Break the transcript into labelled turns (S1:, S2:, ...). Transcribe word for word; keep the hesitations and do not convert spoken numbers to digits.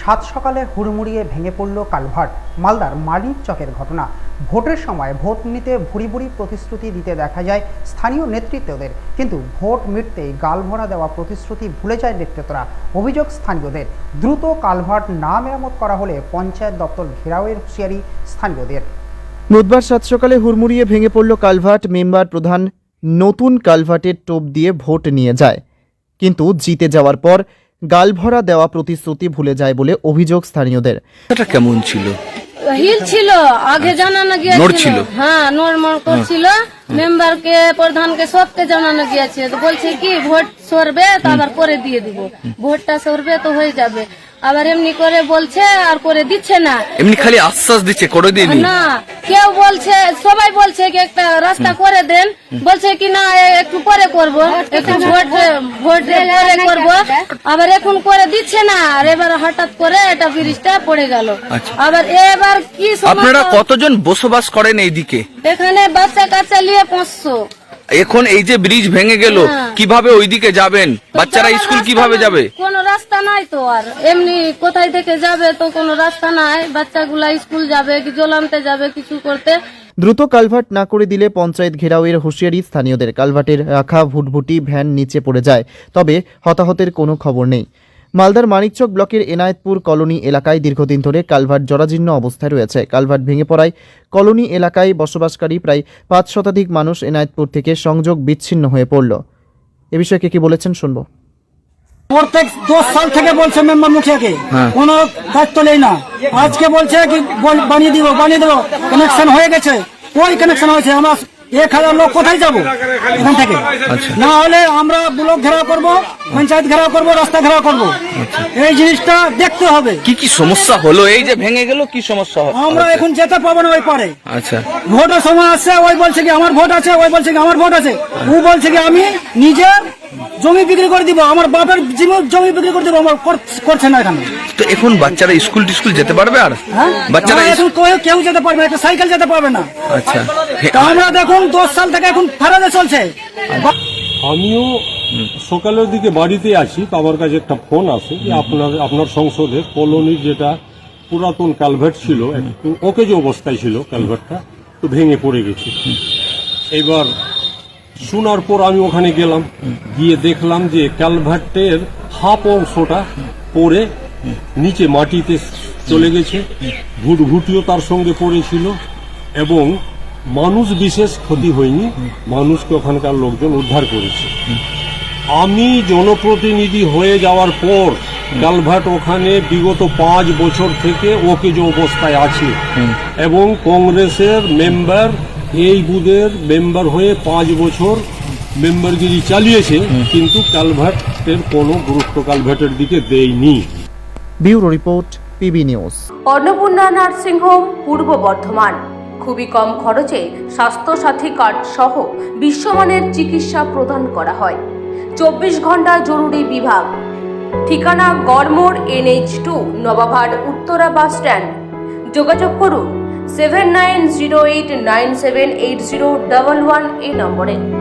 S1: সাত সকালে হুড়মুড়িয়ে ভেঙে পড়ল কালভার্ট। মালদার মানিক চকের ঘটনা। ভোটের সময় ভোট নিতে ভুরি ভুরি প্রতিশ্রুতি দিতে দেখা যায় স্থানীয় নেতৃত্বদের, কিন্তু ভোট মিটতেই গালভরা দেওয়া প্রতিশ্রুতি ভুলে যায় নেতৃত্বরা। অভিযোগ স্থানীয়দের, দ্রুত কালভার্ট না মেরামত করা হলে পঞ্চায়েত দপ্তর ঘেরাওয়ের হুঁশিয়ারি স্থানীয়দের।
S2: বুধবার সাত সকালে হুড়মুড়িয়ে ভেঙে পড়ল কালভার্ট। মেম্বার প্রধান নতুন কালভার্টের টোপ দিয়ে ভোট নিয়ে যায়, কিন্তু জিতে যাওয়ার পর গালভরা দেওয়া প্রতিশ্রুতি ভুলে যায় বলে অভিযোগ স্থানীয়দের।
S3: এটা কেমন ছিল?
S4: হিল ছিল, আগে জানানো গিয়েছিল। হ্যাঁ, নরমাল করছিল। মেম্বারকে প্রধানকে সবকে জানানো গিয়েছে, তো বলছে কি ভোট সরবে তো আবার করে দিয়ে দিব, ভোটটা সরবে তো হয়ে যাবে। আবার এমনি করে বলছে আর করে দিচ্ছে না,
S3: এমনি খালি আশ্বাস দিচ্ছে, করে দিইনি
S4: না। কেউ বলছে, সবাই বলছে কি একটা রাস্তা করে দেন, বলছে কি না একটু পরে করব, একটু ভোট ভোট পরে করব। আবার এখন করে দিচ্ছে না, আর এবার হঠাৎ করে এটা ব্রিজটা পড়ে গেল। আবার এবার কি
S3: আপনারা কতজন বসবাস করেন এইদিকে?
S4: এখানে বাচ্চা কাচ্চা নিয়ে পাঁচশো।
S3: এখন এই যে ব্রিজ ভেঙে গেল, কিভাবে ওইদিকে যাবেন? বাচ্চারা স্কুল কিভাবে যাবে?
S4: কোনো রাস্তা নাই তো, আর এমনি কোথায় থেকে যাবে, তো কোনো রাস্তা নাই। বাচ্চাগুলা স্কুল যাবে কি জল আনতে যাবে, কিছু করতে।
S2: দ্রুত কালভার্ট না করে দিলে পঞ্চায়েত ঘেরাওয়ের হুঁশিয়ারি স্থানীয়দের। কালভার্টের রাখা ভুটভুটি ভ্যান নিচে পড়ে যায়, তবে হতাহতের কোনো খবর নেই। মালদার মানিকচক ব্লকের এনায়েতপুর কলোনি এলাকায় দীর্ঘদিন ধরে কালভার্ট জরাজীর্ণ অবস্থায় রয়েছে। কালভার্ট ভেঙে পড়ায় কলোনি এলাকায় বসবাসকারী প্রায় পাঁচ শতাধিক মানুষ এনায়েতপুর থেকে সংযোগ বিচ্ছিন্ন হয়ে পড়ল। এ বিষয়ে কে কি বলেছেন শুনবো।
S5: প্রত্যেক দশ সাল থেকে বলছে মেম্বার মুখিয়াকে, কোনো দায়িত্ব নেই না। আজকে বলছে কি বানিয়ে দিব বানিয়ে দেবো, কানেকশন হয়ে গেছে। ওই কানেকশন হয়েছে, আমরা এক হাজার লোক কোথায় যাবো এখান থেকে? না হলে আমরা ব্লক ঘেরাও করব, পঞ্চায়েত ঘেরাও করব, রাস্তা ঘেরাও করব। এই জিনিসটা দেখতে হবে।
S3: কি কি সমস্যা হলো? এই যে ভেঙে গেল, কি সমস্যা হলো?
S5: আমরা এখন যেতে পাবো না ওই পারে।
S3: আচ্ছা,
S5: ভোটের সময় আসছে, ওই বলছে কি আমার ভোট আছে, ওই বলছে কি আমার ভোট আছে। ও বলছে কি আমি নিজের জমি বিক্রি করে দিব, আমার বাপের জমি বিক্রি করে দিব, আমার করছে না এখানে।
S3: তো এখন বাচ্চারা স্কুল টিস্কুল যেতে পারবে? আর বাচ্চারা
S5: এখন কেউ যেতে পারবে না, একটা সাইকেল যেতে পারবে না।
S3: আচ্ছা,
S5: আমরা দেখুন দশ সাল থেকে এখন ফেরাতে চলছে।
S6: আমিও সকালের দিকে বাড়িতে আছি, তো আমার কাছে একটা ফোন আসে যে আপনার আপনার সংসদে কলোনির যেটা পুরাতন কালভার্ট ছিল, একটু ওকে যে অবস্থায় ছিল কালভার্টটা, তো ভেঙে পড়ে গেছে। এবার শোনার পর আমি ওখানে গেলাম, গিয়ে দেখলাম যে কালভার্টের হাফ অংশটা পড়ে নিচে মাটিতে চলে গেছে, ভুটভুটিও তার সঙ্গে পড়েছিল, এবং মানুষ বিশেষ ক্ষতি হয়নি, মানুষকে ওখানকার লোকজন উদ্ধার করেছে। আমি জনপ্রতিনিধি হয়ে যাওয়ার পর কালভার্ট ওখানে বিগত পাঁচ বছর থেকে ওকে যে অবস্থায় আছে, এবং কংগ্রেসের মেম্বার এই বুথের মেম্বার হয়ে পাঁচ বছর মেম্বারগিরি চালিয়েছে, কিন্তু কালভার্টের কোনো গুরুত্ব কালভার্টের দিকে দেয়নি।
S2: Bureau report, PB News.
S7: Annapurna nursing home, Purba Bardhaman. খুবই কম খরচে স্বাস্থ্যসাথী কার্ড সহ বিশ্বমানের চিকিৎসা প্রদান করা হয়। চব্বিশ ঘন্টা জরুরি বিভাগ। ঠিকানা গড়মোড় এনএইচ টু, নবাবহাট উত্তরা বাস স্ট্যান্ড। যোগাযোগ করুন seven nine zero eight nine seven eight zero double one এই নম্বরে।